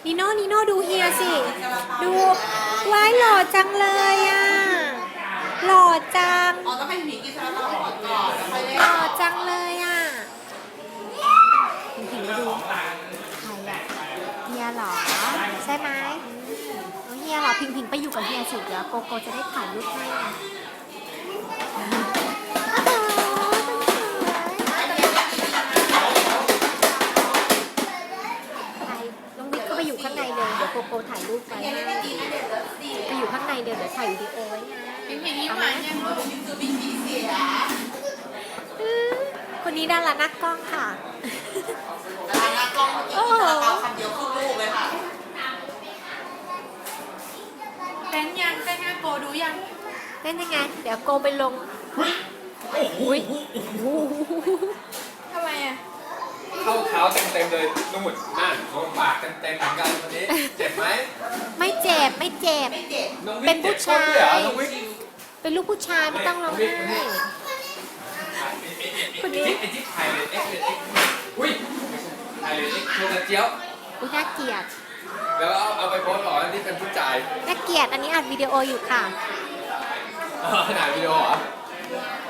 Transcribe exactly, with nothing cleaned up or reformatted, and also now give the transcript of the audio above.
นิโน่นิโน่ดูเฮียสิดูว้ายหล่อจังเลยอ่ะหล่อจังอ๋อต้องให้หมีกินซาลาเปาก่อนก่อนแล้วค่อยเล่นหล่อจังเลยอ่ะพิงพิงมาดูใครอ่ะเฮียเหรอใช่ไหมอืมเฮียเหรอพิงพิงไปอยู่กับเฮียสิเดี๋ยวโกโกจะได้ถ่ายรูปให้น้องวิทย์ก็ไปอยู่ข้างในเลยเดี๋ยวโกโกถ่ายรูปไว้ให้ไปอยู่ข้างในเดี๋ยวเดี๋ยวถ่ายวิดีโอไว้ไงพิงพิงยิ้มหวานยังรู้คือพิงพิงเสียคนนี้ดารานักกล้องค่ะแต่ทางหน้ากล้องเมื่อกี้กินซาลาเปาคำเดียวครึ่งลูกเลยค่ะเต้นยังเต้นยังโกดูยังเล่นยังไง เดี๋ยวโกไปลงอุ้ยทำไมอ่ะเข้าเท้าเต็มๆเลยนู่นนั่นโดนปากเต็มๆเหมือนกันวันนี้เจ็บไหมไม่เจ็บไม่เจ็บไม่เจ็บน้องวิเป็ทนย์ผู้เจ็บก้นชายด้วยเหรอน้องวิทย์เป็นลูกผู้ชายไม่ต้องร้องไห้คนนี้ไอ้ที่ถ่ายเลยเอ็กซ์เลยเอ็กซ์อุ้ยถ่ายเลยเอ็กซ์โชว์กระเจี๊ยบอุ้ยน่าเกลียดแล้วเอาเอาไปโพสต์หรอที่เป็นผู้ชายน่าเกลียดอันนี้อัดวิดีโออยู่ค่ะอ๋อถ่ายวิดีโอเหรอ